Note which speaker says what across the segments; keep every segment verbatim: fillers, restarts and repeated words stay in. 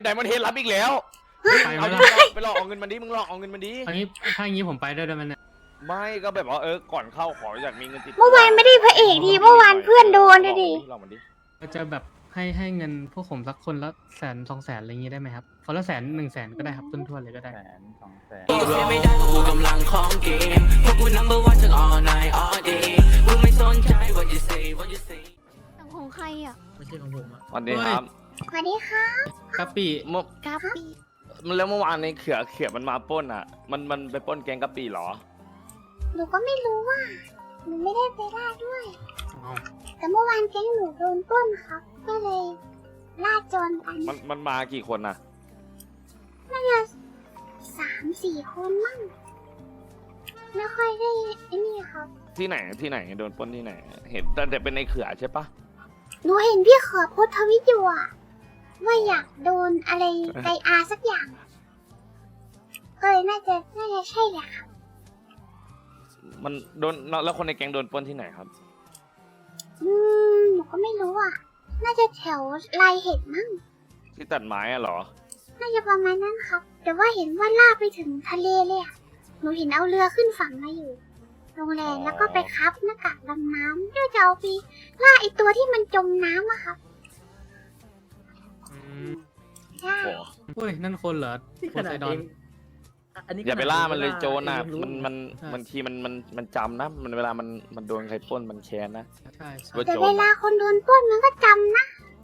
Speaker 1: ไดมอนด์เฮดรับอีกแล้วเอาดิไปหลอกเอาเงินมันดิมึงหลอกเอาเงินมันดิ
Speaker 2: อันนี้ถ้าอย่างนี้ผมไปได้ด้วยมันเนี่ย
Speaker 1: ไม่ก็แบบว่าเออก่อนเข้าขออยากมีเงินติด
Speaker 3: เมื่อวานไม่ได้พระเอกดีเมื่อวานเพื่อนโดนเลยดิ
Speaker 1: หลอกมันดิ
Speaker 2: ก็จะแบบให้ให้เงินพวกผมสักคนละแสนสองแสนอะไรอย่างงี้ได้ไหมครับคนละแสนหนึ่งแสนก็ได้ครับต้นทั่วเลยก็ได้
Speaker 4: แสนสองแสน
Speaker 5: เสียไม่ได้เพราะกูกำลังของเกมเพราะกู number one ทั้ง all night all day กูไม่สนใจ what you say what you say
Speaker 3: ของใครอ่ะ
Speaker 2: ไม่ใช่ของผมอ่ะ
Speaker 1: วันนี้ครับ
Speaker 3: สวัสดีค่ะ
Speaker 2: กะปิ
Speaker 1: เมื่อ
Speaker 3: กาปี
Speaker 1: มันแล้วเมื่อวานในเขือเขือมันมาปล้นอ่ะ มันมันไปปล้นแกงกะปิเหรอ
Speaker 3: หนูก็ไม่รู้ว่าหนูไม่ได้ไปล่าด้วย
Speaker 2: เอา
Speaker 3: แต่เมื่อวานแก๊งหนูโดนปล้นครับ ก็เลยล่าโจรกัน
Speaker 1: มันมันมากี่คนน่ะ
Speaker 3: น่าจะสามสี่คนมั่งไม่ค่อยได้ไอ้นี่ครับ
Speaker 1: ที่ไหนที่ไหนโดนปล้นที่ไหน เห็นแต่แต่เป็นในเขือใช่ปะ
Speaker 3: หนูเห็นพี่เขอโพสต์ทวิตอยู่อะว่าอยากโดนอะไรไกอาสักอย่างก็เลยน่าจะน่าจะใช่แหละครับ
Speaker 1: มันโดนแล้วคนในแก๊งโดนปล้นที่ไหนครับ
Speaker 3: อืมหนูก็ไม่รู้อ่ะ น่าจะแถวลายเห็ดมั้ง
Speaker 1: ที่ตัดไม้อะเหรอ
Speaker 3: น่าจะประมาณนั้นครับ แต่ว่าเห็นว่าล่ากไปถึงทะเลเลยอะหนูเห็นเอาเรือขึ้นฝั่งมาอยู่ โรงแรมแล้วก็ไปคับหน้ากากดำน้ำเพื่อจะเอาไปล่าไอตัวที่มันจมน้ำอะครับ
Speaker 2: อืม
Speaker 3: ใช่
Speaker 1: โอ้
Speaker 2: เฮ้ยนั่นคนเหรอโพไซดอน
Speaker 1: อย่าไปล่ามันเลยโจรน่ะ
Speaker 4: เองรู้
Speaker 1: มันมัน
Speaker 2: ใช่
Speaker 1: บางทีมันมันมันจำนะ มันเวลามันมันโดนใครปล้นมันแค้นนะ
Speaker 2: ใช่ใช่
Speaker 1: ว่า
Speaker 3: แต่
Speaker 1: โจ
Speaker 3: เว
Speaker 1: ร
Speaker 3: ลา
Speaker 1: น่ะ
Speaker 3: คนโดนปล้นมันก็จำนะ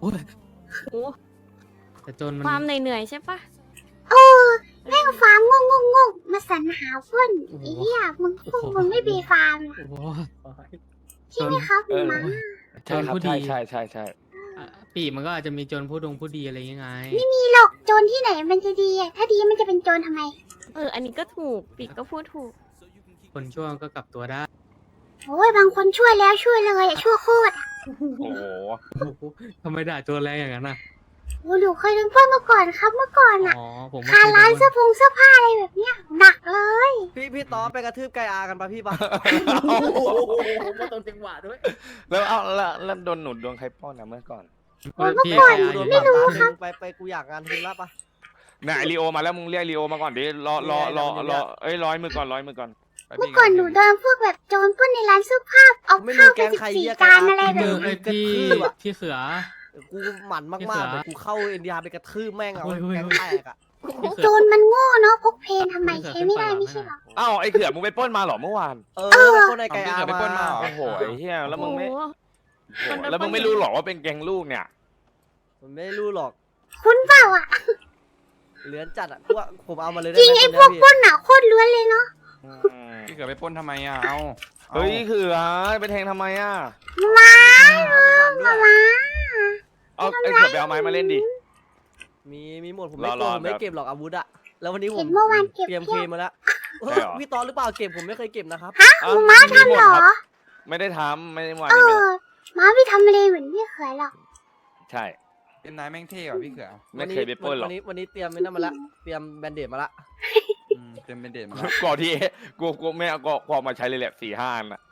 Speaker 2: แต่โจรมัน
Speaker 6: ความเหนื่อยๆใช่ปะ
Speaker 3: เออแม่งฟาร์มงงงงงมาสรรหาปล้นไอ้เหี้ยมึงพวกมึงไม่มีฟาร์มเหรอ
Speaker 2: โอ้โห
Speaker 3: ใช่ไหมครับ
Speaker 1: เออ
Speaker 3: หมา
Speaker 1: ใช่ครับ
Speaker 2: โจรผู้ดี
Speaker 1: ใช่ใช่ใช่ใช่
Speaker 2: อ่ะปีมันก็อาจจะมีโจรผู้ดงผู้ดีอะไรอย่างเงี้ยไง
Speaker 3: มีหรอกโจรที่ไหนมันจะดีอะถ้าดีมันจะเป็นโจรทำไม
Speaker 6: เออ อันนี้ก็ถูกปีกก็พูดถูก
Speaker 2: คนช่วงก็กลับตัวได้
Speaker 3: โอ้ยบางคนช่วยแล้วช่วยเลยอะช่วยโคตรอะ
Speaker 1: โอ้โห
Speaker 2: โอ้โหทำไมด่าโจรแรงอย่างนั้นน่ะ
Speaker 3: โอ้หนูเคยโดนปล้นมาก่อนครับเมื่อก่อนอะ
Speaker 2: อ๋อผมไม่
Speaker 3: คา
Speaker 2: เคย
Speaker 3: ร้าน
Speaker 2: โด
Speaker 3: เสื้อผงเสื้อผ้าอะไรแบบเนี้ยหนักเลย
Speaker 4: พี่พี่ต๊อไปกระทืบไกอากันปะพี่ปะ
Speaker 7: มาตรงจังหวะด้วย
Speaker 1: แล้วเอาแล้วแล้วโดนหนุนโดนใครปล้นนะเมื่อก่อน
Speaker 2: เฮ้ยพี่
Speaker 4: กู
Speaker 2: ไอ้อา
Speaker 4: โด
Speaker 2: ยู่
Speaker 4: น
Speaker 2: เนี่ย
Speaker 4: ปรับล้านหนึ่งไปไปกูอยากงานทุนละปะ
Speaker 1: นายลีโอมาแล้วมึงเรียกลีโอมาก่อนดิรอรอรอรอเอ้ยร้อยมือก่อนร้อยมือก่อน
Speaker 3: เมื่อก่อนหนูโดนพวกแบบโจรปล้นในร้านเสื้อผ้าเอา
Speaker 4: ไม่
Speaker 3: ข้า
Speaker 4: รู้
Speaker 3: วไป
Speaker 4: แก๊ง
Speaker 3: สิบ
Speaker 4: ใคร
Speaker 3: สี่
Speaker 4: เรียก
Speaker 3: จานอะไร
Speaker 2: พี่
Speaker 3: แบ
Speaker 2: มื
Speaker 3: บ
Speaker 2: อไอ้ยพี่พี่เขือ
Speaker 4: กูหมั่นมากๆเดี๋ยวกูเข้าเอ็นดีอาร์ไปกระทืบแม่งเอา
Speaker 2: เฮ้ยเฮ้ย
Speaker 4: แก๊งแตกอ่ะ
Speaker 2: พี่เขื
Speaker 3: โจ
Speaker 2: อ
Speaker 3: รมันโง่เนาะพกเพนทำไมใช้ไม่ได้ไม่ใช่เหรอ
Speaker 1: อ้าวไอ้เขือมึงไปปล้นมาเหรอเมื่อวาน
Speaker 4: เออไปคนไอไกอา
Speaker 7: เอาพี่เขือไปปล้นมา
Speaker 4: มา
Speaker 7: เหร
Speaker 1: โอ้โหไอ้เหี้ยแล้วมึงไม่
Speaker 6: โอ้โห
Speaker 1: โอ้โหแล้วมึงไม่รู้หรอว่าเป็นแกงลูกเนี่ย
Speaker 4: มันไม่รู้หรอก
Speaker 3: คุณเปล่าอ่ะ
Speaker 4: เหลือนจัดอ่ะกูว่าผมเอามาเลยได้
Speaker 3: จริง
Speaker 4: ไหม
Speaker 3: ไอ้
Speaker 4: คน
Speaker 3: พวก
Speaker 4: เนี้ย
Speaker 3: ปล้นอ่ะโคตรล้วนเลยเนาะ
Speaker 7: พี่เกิดไปปล้นทำไมอ่ะ เอาอา
Speaker 1: เฮ้ยเขือไปแทงทำไมอ่ะ
Speaker 3: มา
Speaker 4: พี่ผมหมั่นด้วย
Speaker 3: มา
Speaker 1: เอาไอ้เขือไปเอาไม้มาเล่นดิ
Speaker 4: มีมีหมดผมไม่
Speaker 1: ร
Speaker 4: กลัว
Speaker 1: อๆ
Speaker 4: ผมไม่
Speaker 1: ครับ
Speaker 4: เก็บหรอกอาวุธอะแล้ววันนี้ผ
Speaker 3: เห็
Speaker 4: ม
Speaker 3: นเมื่อวานเก็บ
Speaker 4: เตรียม
Speaker 3: เพี
Speaker 4: เค
Speaker 3: ยบ
Speaker 4: มาแล้ว
Speaker 1: ใช่เหรอ
Speaker 4: พี่ตอนหรือเปล่าเก็บผมไม่เคยเก็บนะครับ
Speaker 1: อ้าว
Speaker 3: มึงมาทำเหรอ
Speaker 1: ไม่ได้ทำไม่ได้วัน
Speaker 3: เอ
Speaker 1: นี้ไม่
Speaker 3: อม้าไม่ทำอะไรเหมือนพี่เขยหรอก
Speaker 1: ใช่
Speaker 7: เป็นนายแม่งเท่กว่าพี่เขือ
Speaker 1: ไม่เคยไปปล้นหรอก
Speaker 4: วันนี้วันนี้เตรียมไว้นั่นมาละเตรียมแบนเดดมาละ
Speaker 7: อืมเต็มเป็นเด่นมาแล้ว
Speaker 1: ก่อนที่กูกูไม่เอาก็ก็เอามาใช้เลยแหละสี่ห้าอันอ่ะ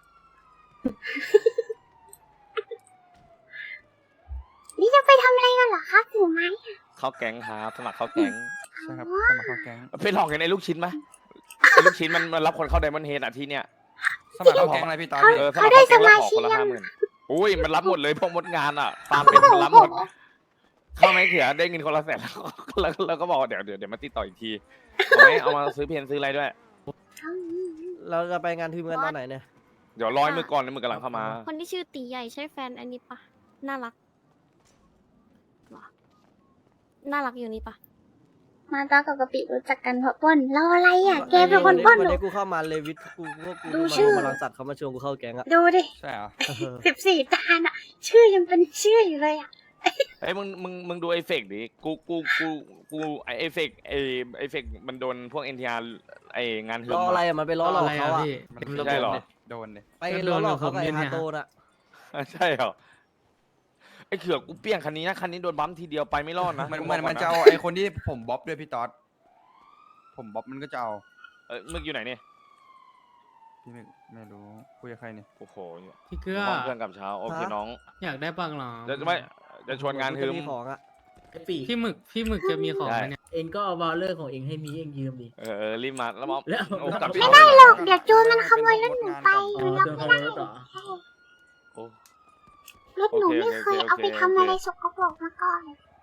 Speaker 3: นี่จะไปทำอะไรกันเหรอครับถือไม้
Speaker 1: เข้าแก๊งครับสมัครเข้าแก๊ง
Speaker 7: ใช่ครับสมัครเข้าแก๊ง
Speaker 1: ไปหลอกกันไอ้ลูกชิ้นไหมไอ้ลูกชิ้นมันมันรับคนเข้าไดมอนด์เฮดอ่ะที่เนี้ย
Speaker 7: สมัครเข้าแก๊งอะไรพี่ตอน
Speaker 1: เออสมัครเข้าแก๊งแล้วขอคนละห้าหมื่นอุ้ยมันรับหมดเลยพวกมดงานอ่ะตามเป็นมันรับหมดเข้าไหมเขือได้เงินคนละแสนแล้วแล้วแล้วก็บอกว่าเดี๋ยวเดี๋ยวเดี๋ยวมาติดต่ออีกทีเอาไหมเอามาซื้อเพนซื้ออะไรด้วย
Speaker 4: เราจะไปงานทีมกันตอนไหนเนี่ย
Speaker 1: เดี๋ยวร้อยมือก่อนนะมือกำลังเข้ามา
Speaker 6: คนที่ชื่อตีใหญ่ใช่แฟนอันนี้ปะน่ารักวะน่ารักอยู่นี่ปะ
Speaker 3: มาตากับกะปิรู้จักกันเพราะปล้นเราอะไรอ่ะแกเป็นคนปล้น
Speaker 4: วัน
Speaker 3: หนู
Speaker 4: นี้กูเข้ามาเลวิทกูพวกกู
Speaker 3: ดู
Speaker 4: มา
Speaker 3: ชื่อ
Speaker 4: มาลังสัตว์เขามาชวนกูเข้าแก๊งอะ
Speaker 3: ดูดิ
Speaker 7: ใช่เหรอ
Speaker 3: สิบสี่จานอ่ะ ชื่อยังเป็นชื่ออยู่เลยอ่ะ
Speaker 1: เฮ้ยมึงมึงมึงดูไอเฟกดิกูกูกูกูไอเอฟเฟกไอไอเฟกมันโดนพวกเอ็นทีอาร์ไองานหื
Speaker 4: ล้ออะไรอะมันไปล้อหลอกเขาอะ
Speaker 2: พี่
Speaker 7: มัน
Speaker 1: ใช่เหรอ
Speaker 7: โดนเลย
Speaker 4: ไปล้อหลอกเขากับไอ้ฮาโตน่ะ
Speaker 1: ใช่เหรอไอเขือกกูเปี้ยงคันนี้นะคันนี้โดนบัมทีเดียวไปไม่รอดนะ
Speaker 7: มันมันมันจะเอาไอ้คนที่ผมบ๊อบด้วยพี่ต๊อดผมบ๊อบมันก็จะเอา
Speaker 1: เออมึงอยู่ไหนเนี่ย
Speaker 7: พี่ไม่ไม่รู้คุยกับใครเนี่ย
Speaker 1: โอ้โห
Speaker 2: พี่เกลือ
Speaker 1: ห้องเพื่อนกับเช้าโอเคน้อง
Speaker 2: อยากได้ปังเหรอ
Speaker 1: เดี๋ยวจะไม่จะชวนงานคือ
Speaker 4: มีของอะ
Speaker 8: ไอ้ปี
Speaker 2: พี่หมึกพี่หมึกจะมีของไหมเนี่ย
Speaker 8: เองก็เอาบอลเลอร์ของเองให้มีเองยืมดิ
Speaker 1: เออเออรีบมาแล้วมอ
Speaker 8: แล้ว
Speaker 1: โอ้
Speaker 8: แล้ว
Speaker 1: กลับ
Speaker 3: ไม่ได้หรอกเดี๋ยวโจรมันขโมยรถหนูไป
Speaker 8: อ๋อ
Speaker 3: รับ
Speaker 8: โดนข
Speaker 3: ไม่
Speaker 8: โมย
Speaker 3: ได้
Speaker 8: รถเหรอ
Speaker 1: โอ้
Speaker 3: รถหนูไม่เคยเอาไปทำอะไรสกปรกมาก่อน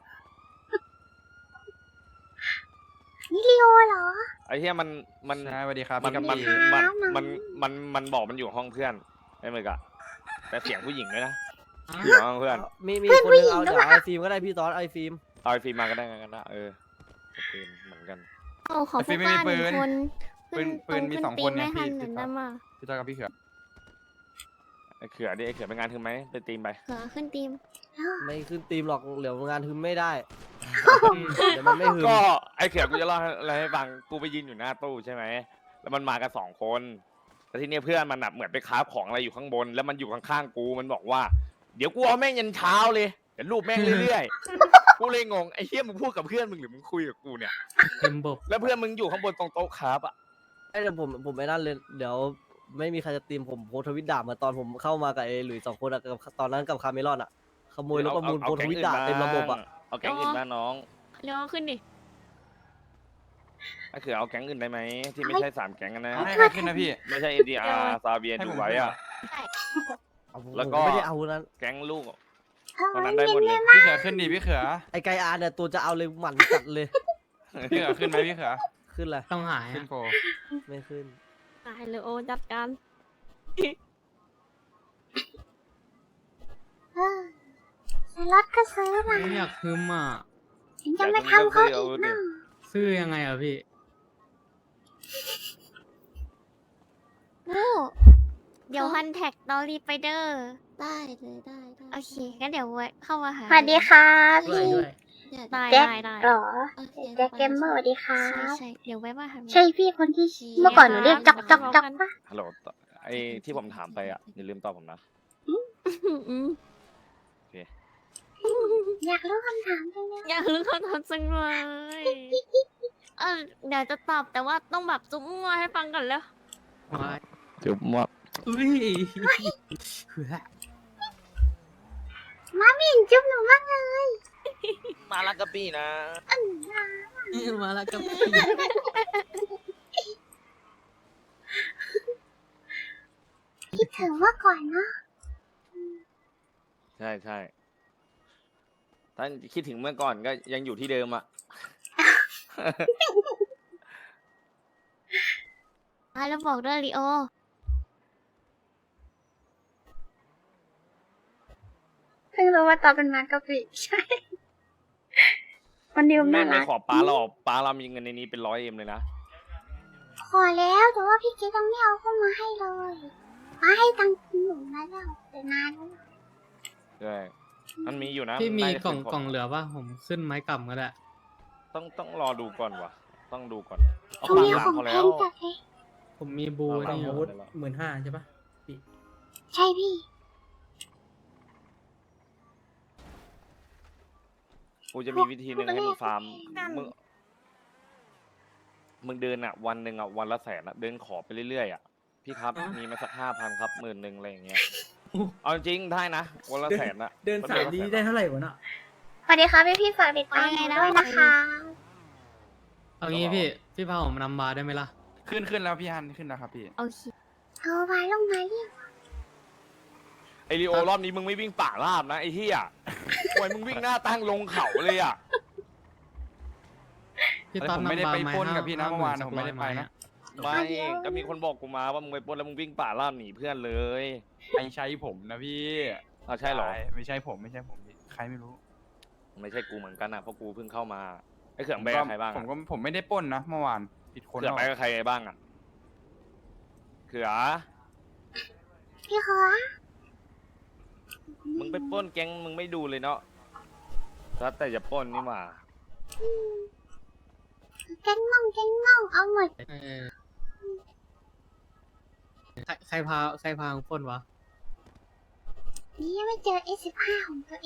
Speaker 3: นี่ลีโอเหรอ
Speaker 1: ไอ้เหี้ยมันมัน
Speaker 7: ใช่สวัสดีครับ
Speaker 1: มัน
Speaker 7: พี่
Speaker 1: มัน
Speaker 7: กะปิ
Speaker 1: มัน
Speaker 3: ครับ
Speaker 1: มันมันมันบอกมันอยู่ห้องเพื่อนไอ้เมกะแต่เสียงผู้หญิงด้วยนะ
Speaker 2: อ๋อ
Speaker 1: อยู่ห้องเพื่อน
Speaker 4: มีมีคนหนึงเอาเดี๋ยวไอฟิล์มก็ได้พี่ตอนไอฟิล์ม
Speaker 1: เอาไอฟิล์มมาก็ได้กันนะเออปืนเหมือนกัน
Speaker 6: เอาขอ
Speaker 7: ไอ้ฟิ
Speaker 6: ผู้
Speaker 7: ล์ม
Speaker 6: ก
Speaker 7: ไม่
Speaker 6: ล้า
Speaker 7: มี
Speaker 6: หนึ่ง
Speaker 7: ปืน
Speaker 6: คน
Speaker 7: ปืนปืนมีสองคนเนี่ย
Speaker 6: ไม่ทัน
Speaker 7: พี่
Speaker 6: หนึ่ง
Speaker 7: พี่
Speaker 6: ได้มา
Speaker 7: พี่ต้อยกับพี่เขือ
Speaker 1: ไอเขือดิไอเขือเป็นงานถึงไหมไปตีมไป
Speaker 6: เขือขึ้นทีม
Speaker 4: ไม่ขึ้นทีมหรอกเหลียวงานทึมไม่ได้ เดี๋ยวมันไม่หึม
Speaker 1: ก็ไอเขือกูจะเล่าอะไรให้ฟังกูไปยืนอยู่หน้าตู้ใช่ไหมแล้วมันมากันสองคนแต่ทีเนี้ยเพื่อนมันแบบเหมือนไปคราฟของอะไรอยู่ข้างบน แล้วมันอยู่ข้างๆกูมันบอกว่าเดี๋ยวกูเอาแม่งยันเช้าเลยเดี๋ยวรูปแม่งเรื่อยๆกูเลยงงไอ้เหี้ยมึงพูดกับเพื่อนมึงหรือมึงคุยกับกูเนี่ย
Speaker 2: เต็มบบ
Speaker 1: แล้วเพื่อนมึงอยู่ข้างบนตรงโต๊ะคราฟอ่ะ
Speaker 4: ไอ้เดี๋ยวผมผมไม่นั่นเลยเดี๋ยวไม่มีใครจะตีมผมโพสต์ทวิตด่ามาตอนผมเข้ามากับไอ้หลุยส์สองคนอะกับตอนนั้นกับคาเมลอนอะขโมยรถประมูลโพสต์ทวิตด่าเต็มระบบอะ
Speaker 1: เอาแก๊งอื่นมาน้อง
Speaker 6: เร็วขึ้นดิ
Speaker 1: ไอ้เขือเอาแก๊งอื่นได้ไหมที่ไม่ใช่สามแก๊งอะนะ
Speaker 7: ให้ใครขึ้นนะพี่
Speaker 1: ไม่ใช่เอดีอาร์ซาเบีย
Speaker 7: ให้
Speaker 1: ดู
Speaker 7: ผม
Speaker 1: ไว้อะ
Speaker 4: เอาผม
Speaker 1: แล้วก็
Speaker 4: ผมไม่ได้เอานั้น
Speaker 1: แก๊งลูก
Speaker 3: เท่า
Speaker 1: ตอน
Speaker 3: นั้
Speaker 1: นั้น นได้หมดเลย
Speaker 7: พี่เขือขึ้นดิพี่เขือ
Speaker 4: ไอ้ไกอาร์เนี่ยตัวจะเอาเลยหมั่นจัดเลย
Speaker 7: พี่เขือขึ้นไหมพี่เขือ
Speaker 4: ขึ้นเลย
Speaker 2: ต้องหาย
Speaker 7: ขึ้น
Speaker 2: อะ
Speaker 7: โฟ
Speaker 4: ไม่ขึ้น
Speaker 6: ตายเลยโอจัดการ
Speaker 3: เออสล็อตก็ซื้อมา
Speaker 2: ไม่อยากฮึมอ่ะ
Speaker 3: ถึงจะไม่ทำเขาอีกนะ
Speaker 2: ซื้อยังไงอ่ะพี่
Speaker 6: โอ้เดี๋ยวฮันแท็กตอรีไปเดอร์
Speaker 9: ได้เลยได้ได้
Speaker 6: โอเคงั้นเดี๋ยวไว้เข้ามาหา
Speaker 3: สวัสดีค่ะ
Speaker 8: ด้วย
Speaker 3: พี่
Speaker 8: ด้วย
Speaker 9: เดี๋ยว
Speaker 6: ได้
Speaker 3: แจ็ค
Speaker 6: ได้ได้
Speaker 3: เหรอ
Speaker 9: โอเค
Speaker 3: แจ็คเกมเมอร์สวัสดีค่ะ
Speaker 6: ใช่ใช่เดี๋ยวไว้มาหา
Speaker 3: ใช่พี่คนที่เมื่อก่อนหนูเรียกจอกจอกจอกปะ
Speaker 1: ฮัลโหลไอ้ที่ผมถามไปอ่ะอย่าลืมตอบผมนะ
Speaker 6: อืมอืม
Speaker 3: อยากรู้คำถามจังเลย
Speaker 6: อยากรู้คำตอบจังเลยเออเดี๋ยวจะตอบแต่ว่าต้องแบบจุ๊บมัวให้ฟังก่อนแล้ว
Speaker 1: จุ๊บมัว
Speaker 8: อุ้ยเหือ
Speaker 3: มาไม่เห็นจุ๊บหนูบ้างเลย
Speaker 1: มาลักกะปี้นะ
Speaker 3: อันนา
Speaker 8: มาแล้วก็
Speaker 3: คิดถึงเมื่อก่อนเนาะ
Speaker 1: ใช่ใช่ถ้าคิดถึงเมื่อก่อนก็ยังอยู่ที่เดิมอ่ะ
Speaker 6: อ่ะแล้วบอกด้วยลีโอ
Speaker 3: เพิ่งรู้ว่าตอนเป็นมากะปิใช่วันนี้ผม
Speaker 1: แม่
Speaker 3: น่าง
Speaker 1: ไม่
Speaker 3: รัก
Speaker 1: ขอป้าเราป้าเรามีเงินในนี้เป็นร้อยเอ็มเลยนะ
Speaker 3: ขอแล้วแต่ว่าพี่เกดยังไม่เอาเข้ามาให้เลยมาให้ตังค์หนูมาแล้วแต่นานแล้ว
Speaker 1: ใช่มันมีอยู่นะ
Speaker 2: พี่มี
Speaker 1: น่าจะ
Speaker 2: กล่อง
Speaker 1: ขึ้น
Speaker 2: กล่องเหลือป่ะผมขึ้นไม้กำก็ได้
Speaker 1: ต้องต้องรอดูก่อนว่ะ ต้องดูก่อนเอา
Speaker 3: เขา
Speaker 1: ปาก
Speaker 3: มี
Speaker 1: หลัง
Speaker 3: ของ
Speaker 1: เขา
Speaker 3: แพ
Speaker 1: แล้ว
Speaker 3: งจัดเลย
Speaker 2: ผมมีบู
Speaker 1: เอา
Speaker 2: นี่อ
Speaker 8: อา
Speaker 2: ยู่
Speaker 8: วุธหมื่นห้าใช่ปะปี
Speaker 3: ใช่พี่
Speaker 1: กูจะมีวิธีหนึ่งให้มึงฟาร์มมึงมึงเดินอ่ะ วันหนึ่งอ่ะวันละแสนอ่ะเดินขอไปเรื่อยๆอ่ะพี่ครับมีมาสักห้าพันครับหมื่นหนึ่งอะไรอย่างเงี้ยเอาจริงได้นะวันละแสนอ่ะ
Speaker 8: เดินสายดีได้เท่าไหร่วะเนาะ
Speaker 3: สวัสดีค่ะพี่พี่ๆฝากติดตามหนูด้วยนะคะ
Speaker 2: เอางี้พี่ พี่พาผมนำบาร์ได้ไหมล่ะ
Speaker 7: ขึ้นขึ้นแล้วพี่ฮันขึ้นแล้วครับพี่
Speaker 6: โอเค
Speaker 3: โทรมาลงมาเรียก
Speaker 1: ไอริโอรอบนี้มึงไม่วิ่งป่าราบนะไอ้เหี้ยโอ้ยมึงวิ่งหน้าตั้งลงเขาเลยอ่ะ
Speaker 2: พี่
Speaker 7: แต่
Speaker 2: ตอน
Speaker 7: ผมไม่ได้
Speaker 2: นำบา
Speaker 7: ไป
Speaker 2: ร์ไหม
Speaker 7: ปล้นกับพี่นะ
Speaker 2: ห้า
Speaker 7: เมื่อวาน
Speaker 2: สัก
Speaker 7: ผมไม่ได้
Speaker 2: ร้อย
Speaker 7: ไป
Speaker 2: ม้
Speaker 7: นะ
Speaker 2: อะ
Speaker 1: ไม่ก็มีคนบอกกูมาว่ามึงไปปล้นแล้วมึงวิ่งป่าราบหนีเพื่อนเลย
Speaker 7: ไม่ใช่ผมนะพี่
Speaker 1: อ้าวใช่เหรอ
Speaker 7: ไม่ใช่ผมไม่ใช่ผมพี่ใครไม่รู้
Speaker 1: ไม่ใช่กูเหมือนกันนะเพราะกูเพิ่งเข้ามาไอ้เขื่องไปกับใครบ้าง
Speaker 7: ผ
Speaker 1: อะ
Speaker 7: มก็ผมไม่ได้ปล้นนะเมื่อวานผิดคน
Speaker 1: เขื่อง
Speaker 7: เอา
Speaker 1: ไปกับใครบ้างอ่ะเขื่อ
Speaker 3: พี่ขอ
Speaker 1: มึงไปปล้นแก๊งมึงไม่ดูเลยเนาะแล้วแต่จะปล้นนี่หว่า
Speaker 3: แกงน่องแกงน่องเอาหมด
Speaker 2: เออใครใครพาใครพาของปล้นวะ
Speaker 3: นี่ยังไม่เจอ เอส สิบห้า ของตัวเอง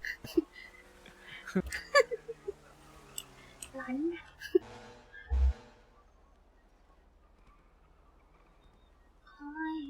Speaker 3: ร้อนนะโอ้ย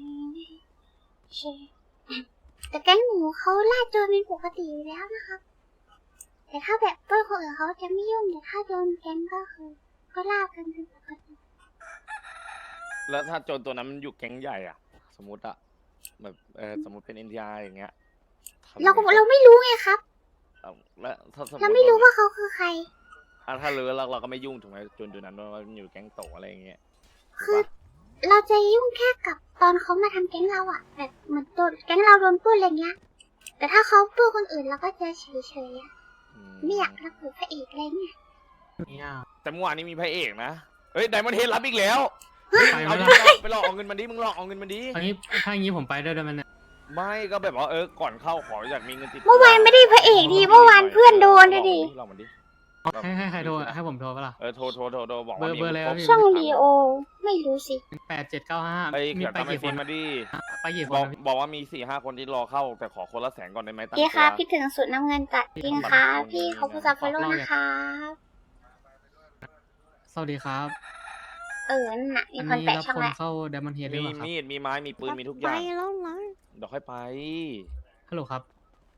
Speaker 3: เชแต่แก๊งหนูเขาล่าโจรเป็นปกติอยู่แล้วนะครับแต่ถ้าแบบเพื่อนคนอื่นเขาจะไม่ยุ่งแต่ถ้าโดนแก๊งก็คือก็ลากกันเป็นปกติ
Speaker 1: แล้วถ้าโจรตัวนั้นมันอยู่แก๊งใหญ่อ่ะ สมมติอ่ะแบบเออสมมติเป็นเอ็นทีอาร์อย่างเงี้ยทำ
Speaker 3: เรา
Speaker 1: ไง
Speaker 3: เราไม่รู้ไงครับ
Speaker 1: เอาแล้วถ้าสมมติ
Speaker 3: เราไม่รู้ว่าเขาคือใคร
Speaker 1: อ่ะถ้ารู้แล้วเราก็ไม่ยุ่งถูกไหมโจรตัวนั้นว่ามันอยู่แก๊งโตอะไรอย่างเงี้ยถูก
Speaker 3: คือ
Speaker 1: ปะ
Speaker 3: เราจะยุ่งแค่กับตอนเขามาทำแก๊งเราอะแบบเหมือนตัวแก๊งเราโดนปล้นอะไรเงี้ย แต่ถ้าเขาปล้นคนอื่นเราก็จะเฉยๆอะ
Speaker 1: อืม
Speaker 3: ไม่อยากรับผิดพระเอกอะไรเงี้ย
Speaker 2: เนี่ย
Speaker 1: แต่เมื่อวานนี้มีพระเอกนะเฮ้ยไดมอนด์เฮดรับอีกแล้ว
Speaker 2: ไปไหม
Speaker 1: เอาดิ
Speaker 2: ล่ะ
Speaker 1: ไปหลอกเอาเงินมันดิมึงหลอกเอาเงินมันดิ
Speaker 2: อันนี้ถ้าอย่างนี้ผมไปด้วยได้ไหมเนี่ย
Speaker 1: ไม่ก็แบบว่าเออก่อนเข้าขออยากมีเงินติดตัว
Speaker 3: เมื่อวานไม่ได้พระเอกดีเมื่อวานเพื่อนโดนเลยดิ
Speaker 1: หลอกมันดิ
Speaker 2: ให้ให้ใครโทรให้ผมโทรปะล่ะ
Speaker 1: เออโทรโทรโทรโทรบอก
Speaker 2: เบอ
Speaker 1: ว่า
Speaker 2: ร์
Speaker 1: มี
Speaker 2: เบอร์อะไรวะพี่
Speaker 3: ช่องดีโอไม่รู้สิ
Speaker 2: แปดเจ็ดเก้าห้า
Speaker 1: ไป
Speaker 2: มี
Speaker 1: เขียน
Speaker 2: ไป
Speaker 1: ตามไอ
Speaker 2: กี่ค
Speaker 1: ฟิ
Speaker 2: น
Speaker 1: นมาดิ
Speaker 2: ไปกี่ค
Speaker 1: บ
Speaker 2: น
Speaker 1: อก
Speaker 2: นะพี่
Speaker 1: บอกว่ามีสี่ห้าคนที่รอเข้าแต่ขอคนละแสนก่อนได้ไหมตั้ง
Speaker 3: พี่
Speaker 1: ตั
Speaker 3: ครับ
Speaker 1: ว
Speaker 3: คิดถึงสุดน้ำเงินจัดจริงค่ะพี่เขาพูดกับฟอลโล่นะคะ
Speaker 2: สวัสดีครับ
Speaker 3: เออนั่นน่ะมี
Speaker 2: อัน
Speaker 3: คน
Speaker 2: นี้
Speaker 3: แปะ
Speaker 2: รับ
Speaker 3: ช่อง
Speaker 2: คน
Speaker 3: แล้ว
Speaker 2: เข้า Diamond Head หรือ
Speaker 1: มี
Speaker 2: เปล่าครับ
Speaker 1: มีดมีไม้มีปืนมีทุกอ
Speaker 6: ไป
Speaker 1: ย่าง
Speaker 6: แล้วนะ
Speaker 1: เดี๋ยวค่อยไป
Speaker 2: ฮัลโหลครับ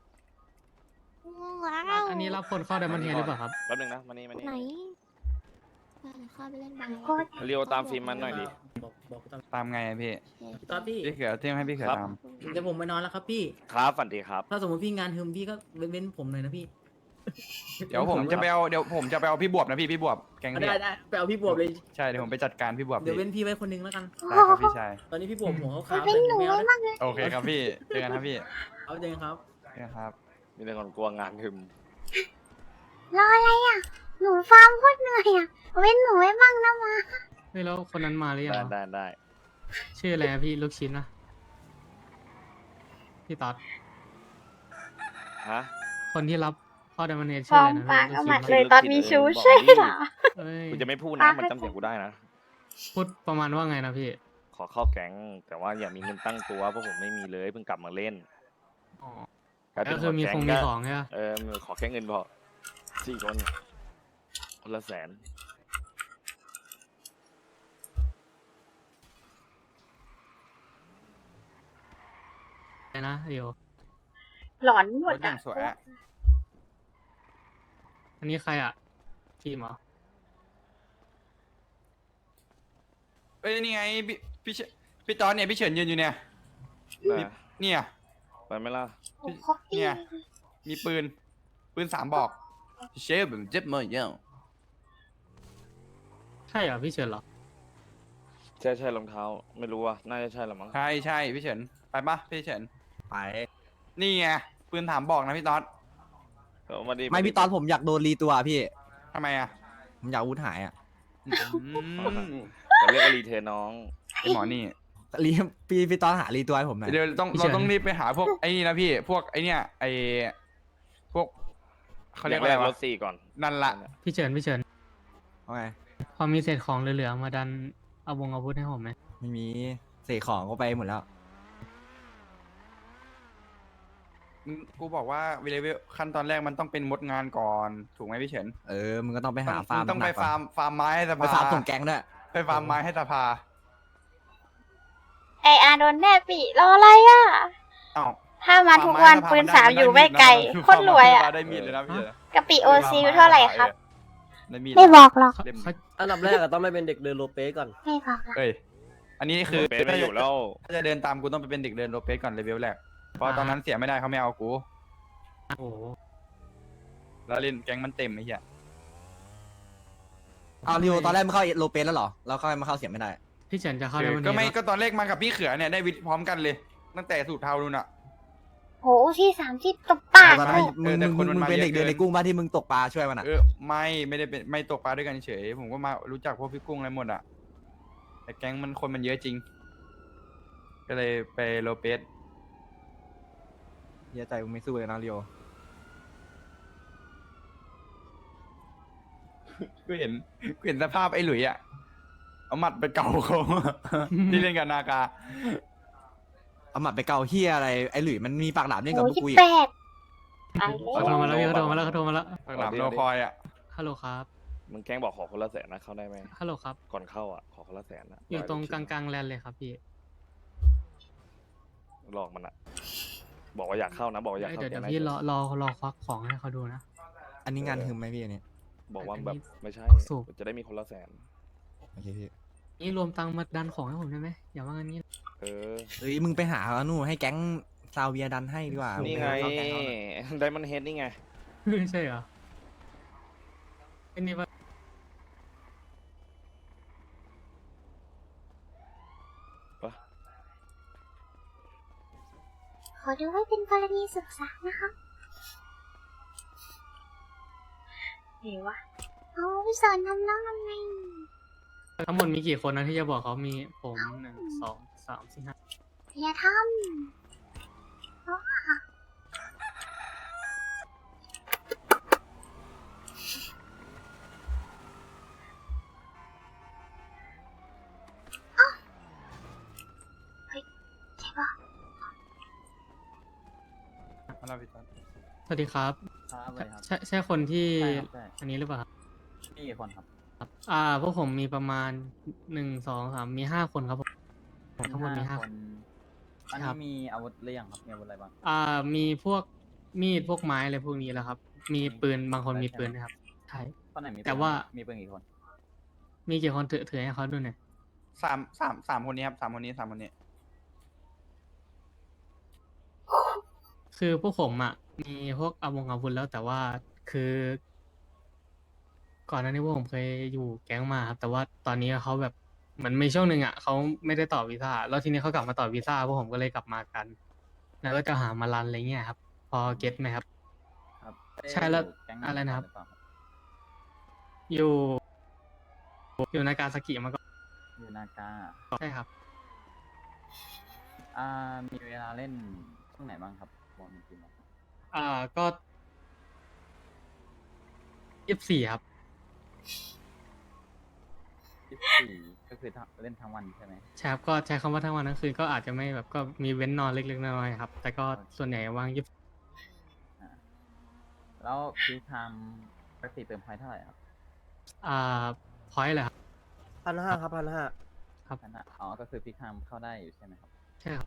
Speaker 6: ว้า
Speaker 2: อัน
Speaker 6: ว
Speaker 2: อันนี้รับคนเข้า Diamond Head หรือเปล่าครับ
Speaker 1: แป๊บนึงนะมานี่มานี่
Speaker 6: ไหนไปเดี๋ยวเข้าไปเล่นบอล
Speaker 3: ก็
Speaker 1: เรียวตามฟิล์มมันหน่อยดิ
Speaker 8: บอกบอกตาม
Speaker 7: ตามไงอะพี่
Speaker 8: พี่ต๊อดพี่
Speaker 7: พี่เขือเที่ยงให้พี่เขือ
Speaker 1: ครับ
Speaker 7: ตาม
Speaker 8: เดี๋ยวผมไปนอนแล้วครับพี่
Speaker 1: ครับฝันดีครับ
Speaker 8: ถ้าสมมติพี่งานฮึมพี่ก็เว้นเว้นผมหน่อยนะพี่
Speaker 7: เดี๋ยวผมจะไปเอาเดี๋ยวผมจะไปเอาพี่บวบนะพี่พี่บวบแกง
Speaker 8: เอา
Speaker 7: พี่
Speaker 8: ได้ได้ไปเอาพี่บวบเลย
Speaker 7: ใช่เดี๋ยวผมไปจัดการพี่บวบ
Speaker 8: เดี๋ยว
Speaker 7: พี่
Speaker 8: เว้นพี่ไว้คนนึงแล้วกัน
Speaker 7: ได้ครับพี่ชาย
Speaker 8: ตอนนี้พี่บวบหัวเขา
Speaker 3: ไม่
Speaker 8: ขาว
Speaker 3: เป็นหนู
Speaker 8: ไม่เอา
Speaker 3: ไว้
Speaker 8: นะ
Speaker 3: บ้างเลย
Speaker 7: โอเคครับพี่เจอกันครับพี่
Speaker 8: เอาเจงครับ
Speaker 7: เจอกันครับ
Speaker 1: มีแต่คนกลัวงานหึม
Speaker 3: รออะไรอ่ะ หนูฟาร์มโคตรเหนื่อยอ่ะเว้นหนูไว้บ้างนะมา
Speaker 2: เฮ้ยแล้วคนนั้นมาหรือยัง
Speaker 1: ได้
Speaker 2: วะ
Speaker 1: ได้ได้
Speaker 2: ชื่ออะไรอะพี่ลูกชิ้นนะพี่ต๊อด
Speaker 1: ฮะ
Speaker 2: คนที่รับเข้า Diamond Head
Speaker 3: ฟ
Speaker 2: ชื่อ
Speaker 3: อ
Speaker 2: อะ
Speaker 3: ร์
Speaker 2: ไร
Speaker 3: ม
Speaker 2: นะ
Speaker 3: ปาก
Speaker 2: ลู
Speaker 3: เอา
Speaker 2: ก
Speaker 3: หมั
Speaker 2: ชิ้
Speaker 3: ด
Speaker 2: น
Speaker 3: เลยตอนมีชูใช่เหรอ
Speaker 2: เอ้ย
Speaker 1: กูจะไม่พูดนะมันจำเสียงกูได้นะ
Speaker 2: พูดประมาณว่าไงนะพี่
Speaker 1: ขอเข้าแก๊งแต่ว่าอย่ามีเงินตั้งตัวเพราะผมไม่มีเลยเพิ่งกลับมาเล่น
Speaker 2: อ๋อ
Speaker 1: กลายเป็
Speaker 2: ก็
Speaker 1: น
Speaker 2: คือมี
Speaker 1: หัว
Speaker 2: คง
Speaker 1: แก๊
Speaker 2: มี
Speaker 1: ก็
Speaker 2: ของใช่ปะ
Speaker 1: เออมือขอแค่เงินพอสี่คนคนละแสน
Speaker 2: อะไรนะเดี๋ยว
Speaker 3: หลอนหม
Speaker 7: ร
Speaker 3: ด
Speaker 7: ถอย่า
Speaker 3: อ่ะ
Speaker 7: งสวยอะ
Speaker 2: อันนี้ใครอะทีมเหรอ
Speaker 7: เอ้ยนี่ไงพี่พี่เฉพี่ตอนเนี่ยพี่เฉินยืนอยู่เนี่ย
Speaker 1: นะ
Speaker 7: เนี่ย
Speaker 1: ไปไหมล่ะ
Speaker 3: โอ้โหครบปี
Speaker 7: เนี่ย มีปืน ปืนสามบอกเชฟแบบเจ็บมือเยอะ
Speaker 2: ใช่เหรอพี่เฉินเหรอ
Speaker 1: ใช่ใช่รองเท้า ไม่รู้อ่ะน่าจะใช่ละมั้ง
Speaker 7: ใช่ใช่พี่เฉินไปปะพี่เฉิน
Speaker 4: ไป
Speaker 7: นี่ไงปืนถามบอกนะพี่ต๊อด
Speaker 1: เอามาดิ
Speaker 4: ไม่พี่ตอนผมอยากโดนรีตัวพี่
Speaker 7: ทำไมอ่ะ
Speaker 4: ผมอยากอาวุธหายอ่ะ
Speaker 7: อืม
Speaker 1: จะเรียกว่ารีเทิร์นน้อง
Speaker 7: ไอหมอนี่
Speaker 4: รีพี่พี่ตอนหารีตัวให้ผมหน่อย
Speaker 7: เดี๋ยวต้อง
Speaker 2: พี่เฉิ
Speaker 7: เรา
Speaker 2: น
Speaker 7: ต้องรีบไปหาพวกไอ้นี่นะพี่ พวกไอ้เนี่ยไอ้พวกเขาเรียก
Speaker 1: อ
Speaker 7: อะไร
Speaker 1: แรกร
Speaker 7: วะ
Speaker 1: ถสี่ก่อน
Speaker 7: นั่นละ
Speaker 2: พี่เฉินพี่เฉิน
Speaker 4: เอาไง
Speaker 2: พอมีเศษของเหลือๆมาดันเอาวงอาวุธให้ผมไหม
Speaker 4: ไม่มีเสกของก็ไปหมดแล้ว
Speaker 7: มึงกูบอกว่าวิเลเวลขั้นตอนแรกมันต้องเป็นมดงานก่อน ถูกไหมพี่เฉิน
Speaker 4: เออมึงก็ต้องไปหา
Speaker 7: ต้อง
Speaker 4: ฟาร์ม
Speaker 7: มึงต้องไป
Speaker 4: หนักๆก่น
Speaker 7: ฟาร์มฟาร์มไม้ให้ส
Speaker 4: ไป
Speaker 7: ภา
Speaker 4: ฟาร์มส่งแก๊งด้วย
Speaker 7: ไปฟาร์มไม้ให้สภา
Speaker 3: ไออาโดนแน่ปีรออะไรอ่ะ
Speaker 7: เอ้า
Speaker 3: ถ้ามาทุกวันปืนสามอยู่ไม่ไกลโคตรรวยอ่ะ
Speaker 7: ได้มีดเลยนะพี่เฉิน
Speaker 3: กะปิโอซีเท่าไหร่ครับ
Speaker 7: ได้มีด
Speaker 3: ไม่บอกหรอก
Speaker 2: เขา
Speaker 7: เล่ม
Speaker 2: เขา
Speaker 4: อันดับแรกอะต้องไม่เป็นเด็กเดินโลเปก่อน
Speaker 3: ไม่บอกหรอก
Speaker 7: เอ้ย อันนี้คือ
Speaker 1: เป็นไม่อยู่แล้ว
Speaker 7: ถ้าจะเดินตามกูต้องไปเป็นเด็กเดินโรเปสก่อนเลเวลแรก เพราะตอนนั้นเสียไม่ได้เขาไม่เอากู
Speaker 2: โอ้โห
Speaker 7: แล้วเล่นแก๊งมันเต็มไอ้เหี้ย
Speaker 4: เอาริวตอนแรกมันเข้าโลเปแล้วเหรอ แล้วเข้ามาเข้าเสียไม่ได้
Speaker 2: พี่เฉินจะเข้า
Speaker 7: เออ
Speaker 2: Diamond
Speaker 7: ก็ไม่
Speaker 2: Head
Speaker 7: ก็ตอนแรกมากับพี่เขือเนี่ยได้วิทย์พร้อมกันเลย ตั้งแต่สูตรเทานู่นอ่ะ
Speaker 3: โหที่สามที่ตบปาก
Speaker 4: ตอนนั้น
Speaker 7: เอ
Speaker 4: มึ
Speaker 7: อง แต่
Speaker 4: มึง
Speaker 7: คนมัน
Speaker 4: มึง
Speaker 7: มา
Speaker 4: เป็นเด็ก
Speaker 7: เยอะ
Speaker 4: เดิน
Speaker 7: เกิน
Speaker 4: ในกุ้งบ้านที่มึงตกปลาช่วยมันอะ
Speaker 7: เออไม่ไม่ได้เป็นไม่ตกปลาด้วยกันเฉย ผมก็มารู้จักพวกพี่กุ้งอะไรหมดอ่ะ แต่แก๊งมันคนมันเยอะจริง ก็เลยไปโรเปส
Speaker 4: เฮียใจมึงไม่สู้เลยนะริว
Speaker 7: กูเห็นกูเห็นสภาพไอ้หลุยอ่ะ เอาหมัดไปเก่าเขา ที่เล่นกับนากา
Speaker 4: เอาหมัดไปเกาเฮียอะไรไอ้หลุยมันมีปากหลามเล่นกับ
Speaker 3: โห
Speaker 4: พวก
Speaker 3: ยี่
Speaker 4: กู
Speaker 3: สิ
Speaker 4: อี
Speaker 3: บ
Speaker 4: ก
Speaker 3: แปดไป
Speaker 2: เขาโทรมาแล้วพี่เขาโทรมาแล้วเขาโทรมาแล้ว
Speaker 7: ปากหลามโลคอยอ่ะ
Speaker 2: ฮัลโหลครับ
Speaker 1: มึงแกล้งบอกขอคนละแสนนะเข้าได้ไหม
Speaker 2: ฮัลโหลครับ
Speaker 1: ก่อนเข้าอ่ะขอคนละแสนนะ
Speaker 2: อยู่ตรงกลางๆแลนเลยครับพี่
Speaker 1: หลอกมันอ่ะ บอกว่าอยากเข้านะ บอกว่าอยาก
Speaker 2: เอ้ย
Speaker 1: เข้า
Speaker 2: เดี๋ยวเดี๋ยว
Speaker 1: แก๊ง
Speaker 2: พี่
Speaker 1: ไหน
Speaker 2: รอรอรอควักของให้เขาดูนะ
Speaker 9: อันนี้งานฮึมไหมพี่อันนี้
Speaker 1: บอกว่าแบบไม่ใช่
Speaker 2: สูบ
Speaker 1: จะได้มีคนละแสน
Speaker 9: โอเคพี่
Speaker 2: นี่รวมตังค์มาดันของให้ผมได้ไหมอย่าว่างั้นนี้
Speaker 1: เออ
Speaker 9: เฮ้ยมึงไปหาเอานู่นให้แก๊งซาเวียดันให้ดีกว่า
Speaker 1: นี่
Speaker 9: มึ
Speaker 1: ไง
Speaker 9: ปหาเขาแก๊งเขาหน่อย
Speaker 1: ไดมอนเฮดนี่ไง
Speaker 2: ไม่ใช่เหรอไอ้นี่ว่า
Speaker 3: ขอดูไว้เป็นกรณีศึกษานะคะเดี๋ยววะเอาไปสอนทำน้องทำไง
Speaker 2: ทั้งหมดมีกี่คนนะที่จะบอกเขามีผมหนึ่งสองสามสี่ห้า
Speaker 3: อย่าทำเพราะว่าอ้าวเฮ้ยใช่ปะ
Speaker 7: มาแล้วพี่ตอน
Speaker 2: สวัสดีครับ
Speaker 10: ครับสวัสดีครับ
Speaker 2: ใช่ใช่คนที่
Speaker 10: ใช่ครับใช่
Speaker 2: อันนี้หรือเปล่าครับ
Speaker 10: มีกี่คนครับ
Speaker 2: ครับ อ่าพวกผมมีประมาณหนึ่งสองสามมีห้าคนครับผมทั้งหมดมีห้าคน
Speaker 10: อัน
Speaker 2: ครั
Speaker 10: นี้
Speaker 2: บ
Speaker 10: มีอาวุธหรือยังครับ มีอาวุธอะไรบ้าง
Speaker 2: อ่ามีพวกมีดพวกไม้อะไรพวกนี้แหละครับ มีปืนบางคนมีปืนนะครับใช่
Speaker 10: คนไหนมีปืน
Speaker 2: แต่ว่า
Speaker 10: มีปืนกี่คน
Speaker 2: มีกี่คนถือถือให้เขาดูหน่อย
Speaker 7: สามสามสามคนนี้ครับสามคนนี้สามคนนี้
Speaker 2: คือพวกผมอ่ะมีพวกอาวงอาวุธแล้วแต่ว่าคือ ก่อนหน้านี้พวกผมเคยอยู่แก๊งมาครับแต่ว่าตอนนี้เขาแบบเหมือนมีช่วงหนึ่งอ่ะเขาไม่ได้ต่อวีซ่าแล้วทีนี้เขากลับมาต่อวีซ่าพวกผมก็เลยกลับมากัน แล้วก็จะหามารันอะไรเงี้ยครับ พอเก็ตไหมครับ
Speaker 10: ครับ
Speaker 2: ใช่แล้ว
Speaker 10: แก๊ง
Speaker 2: อะไรนะครับ
Speaker 10: หเปล่า
Speaker 2: อยู่ อยู่ในการสกิมาก่อน
Speaker 10: อยู่นากา
Speaker 2: ใช่ครับ
Speaker 10: อ่า มีเวลาเล่นช่วงไหนบ้างครับบอกจริงๆ
Speaker 2: อ่าก็ยี่สิบสี่ครับ
Speaker 10: ยี่สิบสี่ก็คือทั้งเล่นทั้งวันใช่ไหม
Speaker 2: ใช่ครับก็ใช้คำว่าทั้งวันทั้งคืนก็อาจจะไม่แบบก็มีเว้นนอนเล็กๆน้อยๆครับ แต่ก็ส่วนใหญ่ว่างยี่สิบ
Speaker 10: อ่า แล้วพีทามปกติเติมพอยต์เท่าไหร่ครับ
Speaker 2: อ่าพอยต์เหรอครับ
Speaker 4: พันห้าครับพันห้า
Speaker 2: ครับ
Speaker 10: นั่นน่ะอ๋อ ก็คือพีทามเข้าได้อยู่ใช่ไหมครับ
Speaker 2: ใช่ครับ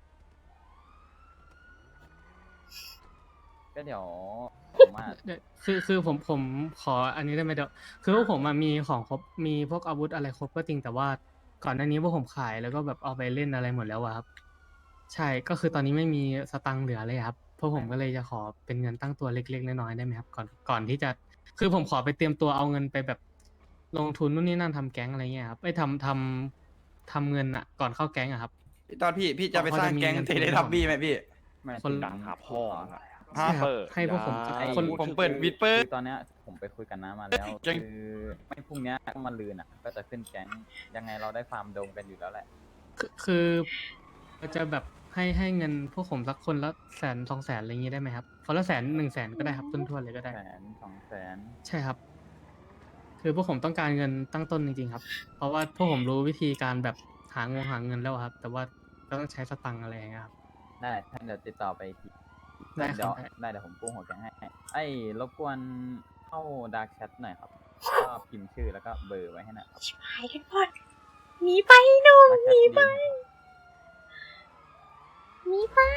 Speaker 10: ก็เดี๋ยวผมว่า
Speaker 2: เดี๋ยวคือคือผมผมขออันนี้ได้ไหมเดี๋ยวคือพวกผมอะมีของครบมีพวกอาวุธอะไรครบก็จริงแต่ว่าก่อนหน้านี้พวกผมขายแล้วก็แบบเอาไปเล่นอะไรหมดแล้วอะครับ ใช่ก็คือตอนนี้ไม่มีสตังค์เหลือเลยครับพวกผมก็เลยจะขอเป็นเงินตั้งตัวเล็กๆน้อยๆได้ไหมครับก่อนก่อนที่จะคือผมขอไปเตรียมตัวเอาเงินไปแบบลงทุนนู่นนี่นั่นทำแก๊งอะไรเงี้ยครับไอ้ยทำทำทำเงินอะก่อนเข้าแก๊งอะครับ
Speaker 7: พี่ตอนพี่พี่จะไปสร้างแก๊งเทเลทับบี้ไหมพี่
Speaker 10: ไม่
Speaker 2: คน
Speaker 10: ถึง
Speaker 1: ดังหาพ่ออะ
Speaker 2: ใช่ครับ
Speaker 1: เปิด
Speaker 2: ให้พวกผม
Speaker 1: ได้
Speaker 10: ไอ้
Speaker 2: คน
Speaker 7: ผมเปิดวิดเปิ
Speaker 10: คื
Speaker 7: ด
Speaker 10: อตอนเนี้ยผมไปคุยกับน้ามาแล้ว
Speaker 7: แก๊ง
Speaker 10: คือไม่พรุ่งเนี้ยก็มาลืนอ่ะ ก็จะขึ้นแก๊งยังไงเราได้ฟาร์มโดมกันอยู่แล้วแหละ
Speaker 2: คือคือจะแบบให้ให้เงินพวกผมสักคนละแสนสองแสนอะไรอย่างงี้ได้ไหมครับคนละแสนหนึ่งแสนก็ได้ครับต้นทวนเลยก็ได้
Speaker 10: แสนสองแสน
Speaker 2: ใช่ครับ คือพวกผมต้องการเงินตั้งต้นจริงๆครับ เพราะว่าพวกผมรู้วิธีการแบบหางงหาเงินแล้วครับ แต่ว่าก็ต้องใช้สตังค์อะไรอย่างเงี้ยครับ
Speaker 10: ได้ท่านเดี๋ยวติดต่อไปอีกที
Speaker 2: ได้ครับ
Speaker 10: เดี๋ยว
Speaker 2: ได้
Speaker 10: ได้เดี๋ยวผมกู้หัวแก๊งให้ ไอ้รบกวนเข้าดาร์กแชทหน่อยครับ ก็พิมพ์ชื่อแล้วก็เบอร์ไว้ให้หน่อยครับ
Speaker 3: หายกันหมดหนีไปหนุ่ม
Speaker 10: ดาร์กแช
Speaker 3: หนี
Speaker 10: ท
Speaker 3: ไป
Speaker 10: ดี
Speaker 3: หนีไป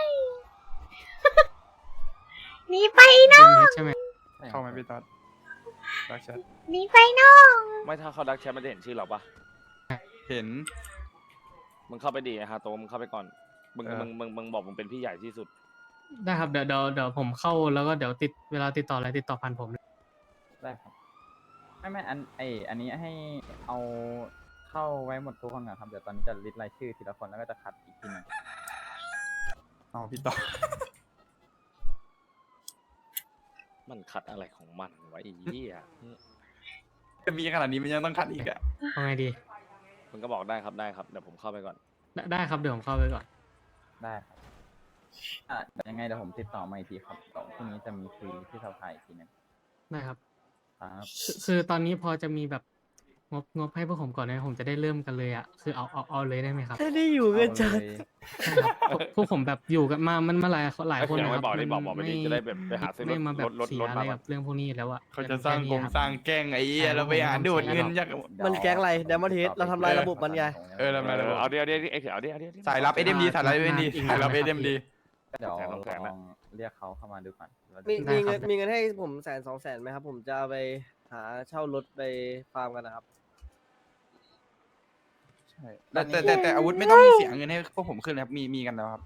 Speaker 3: หนีไปน้อง
Speaker 2: ใช่ไหม
Speaker 7: เข้าไหมพี่ตอนรักชัด
Speaker 3: หนีไปน้อง
Speaker 1: ไม่ถ้าเขาดักแชทมันจะเห็นชื่อเราปะ
Speaker 7: เห็น
Speaker 1: มึงเข้าไปดีนะฮะโตมึงเข้าไปก่อน มึง
Speaker 7: เออ
Speaker 1: มึงมึงมึงบอกมึงเป็นพี่ใหญ่ที่สุด
Speaker 2: ได้ครับเดี๋ยวเดี๋ยวเดี๋ยวผมเข้าแล้วก็เดี๋ยวติดเวลาติดต่ออะไรติดต่อผ่านผมเลย
Speaker 10: ได้ครับ ไม่ไม่อันไออันนี้ให้เอาเข้าไว้หมดทุกคนก่อนครับ เดี๋ยวตอนนี้จะลิสต์รายชื่อทีละคนแล้วก็จะคัดอีกทีหนึง
Speaker 7: เอาพี่ต่อ
Speaker 1: มันคัดอะไรของมันวะไอ้เหี้ย
Speaker 7: จะมีขนาดนี้มันยังต้องคัดอีกอะ
Speaker 2: เอาไงดี
Speaker 1: มึงก็บอกได้ครับได้ครับเดี๋ยวผมเข้าไปก่อน
Speaker 2: ได้ได้ครับเดี๋ยวผมเข้าไปก่อน
Speaker 10: ได้ครับอ่ะเดี๋ยวยังไงเดี๋ยวผมติดต่อมาอีกทีครับเดี๋ยวพรุ่งนี้จะมีคุยที่สภาอีกทีหนึง
Speaker 2: ได้ครับ
Speaker 10: ครับ
Speaker 2: คือคือตอนนี้พอจะมีแบบงบงบให้พวกผมก่อนนะผมจะได้เริ่มกันเลยอ่ะคือเอาเอาเอาเลยได้ไหมครับ
Speaker 4: แค่ได้อยู่กันจัด
Speaker 10: เอาเลย
Speaker 2: ใช่ครับพวกพวกผมแบบอยู่กันมามันมาหลายหลายคน
Speaker 1: เออ
Speaker 2: นะค
Speaker 1: ไว้
Speaker 2: รับ
Speaker 1: บอกดิ
Speaker 2: มัน
Speaker 1: บอกบอกไปดิ
Speaker 2: ม่
Speaker 1: จะได้แบบไปหาซื้อรถ
Speaker 2: ไม่มาแบบ
Speaker 1: รถรถ
Speaker 2: เสีย
Speaker 1: รถ
Speaker 2: อะไร
Speaker 1: มาก่อน
Speaker 2: กับเรื่องพวกนี้แล้วอ่ะ
Speaker 7: เขาจะสร้างกงสร้างแกล้งไอ้เหี้ยแล้วไปหาดูดเงินจาก
Speaker 4: มันแก๊งอะไร Diamond Head เราทำลายระบบมันไง
Speaker 7: เออแล้วมา
Speaker 1: เออเอาเดี๋ยวเดี๋ยวเดี๋ยวเอาเดี๋ยวเดี๋ยวเดี๋ยว
Speaker 7: สายรับ เอส เอ็ม ดี สายรับ เอส เอ็ม ดี สายรับ เอส เอ็ม ดี
Speaker 10: ก็เดี๋ยว
Speaker 1: สองแสนสองแสน
Speaker 10: ล
Speaker 1: ละ
Speaker 10: องเรียกเขาเข้ามาดูก่อนแล้วจะ
Speaker 4: มี
Speaker 2: ได้
Speaker 4: มี
Speaker 2: ครั
Speaker 4: เงิ
Speaker 2: บ
Speaker 4: นมีเงินให้ผมแสนสองแสนไหมครับ ผมจะเอาไปหาเช่ารถไปฟาร์มกันนะครับ
Speaker 7: ใช่แต่แต่แต่แต่อาวุธไม่ต้องเสียเงินให้พวกผมขึ้นนะครับ มีมีกันแล้วครับ